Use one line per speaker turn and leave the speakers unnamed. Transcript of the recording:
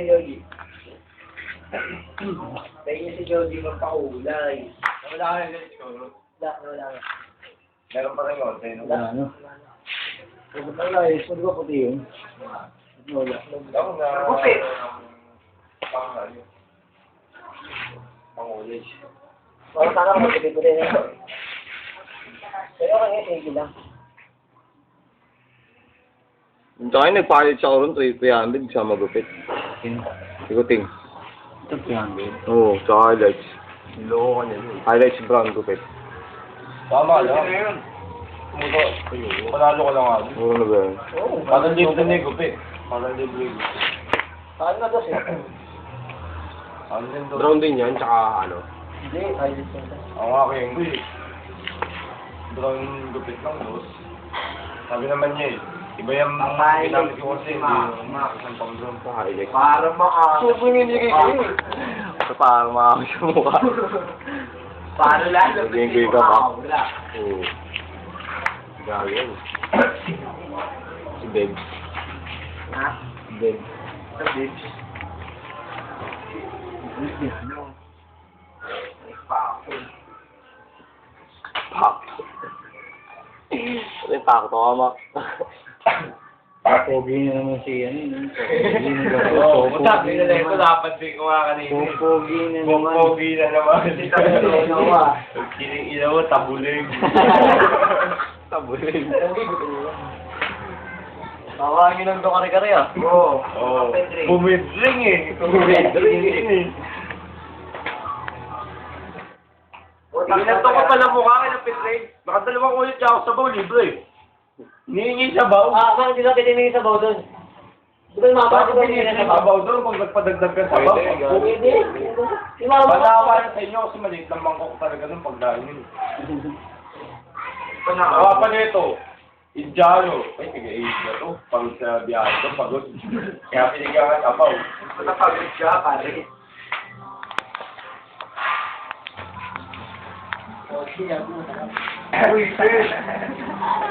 si Joji. Tingin si Joji magpakulay.
Wala ka rin siguro.
Wala.
Meron pa rin konti.
Ano? Wala eh. Pwede ba puti yun? Wala.
Ako na...
Kupit.
Pang-college.
Parang sana magpipili na. Pero kaya sige lang.
Tsaka yung nagpalit siya ko ron, 300 siya magupit. Ikuting.
Ito 300.
Oo, tsaka highlights.
Niloko ka niya yun.
Highlights brown gupit.
Tama lang. Kumuto. Panalo ka lang nga.
Muro na ba yun?
Oo.
Parang libre na yung gupi. Parang libre.
Saan na dos eh?
Ano din to?
Brown din yan, tsaka ano.
Hindi, ayos na.
Ako nga kayo yung gupi. Brown gupit lang, boss. Sabi naman niya eh. Iba yung ginamit ko kasi hindi isang pang brown.
Tsaka highlights.
Para Subo yung nilagay ko eh.
So, para makakos sa mukha.
Para lalo.
Naging ka ba?
Wala.
Oo. Grabe yan. Si Bebs.
Ha?
Bebs.
Sa bibs.
Pak. Ano yung pak to, ama?
Pogi na naman si ano yun.
Oo, sabi na lang ito, dapat din ko nga kanina.
Pogi na naman.
Pogi na naman.
Nawa.
Kiling ina mo, tabulig.
Tabulig.
Tawagin lang doon kare-kare ah. Oo.
Oo. Bumidring eh. Bumidring eh. Ginanto ka pala mukha kayo ng pitring. Nakadalawang ulit siya ako sa baw, libre. Hinihingi sa baw.
Bakit hindi ka titingin sa baw doon? Di ba yung mama
Bakit
ko ba
hinihingi
sa
sa
baw?
baw doon pag nagpadagdag ka sa baw?
Pwede. Yung mama ko.
Panawa na sa inyo kasi maliit lang mangkok talaga nung pagdahil. Panawa pa nito. Idyalo. Ay, tiga-age na to. Pagod sa biyahe to, pagod. Kaya pinigawan apaw.
Napagod siya, pare.
Uy, sis!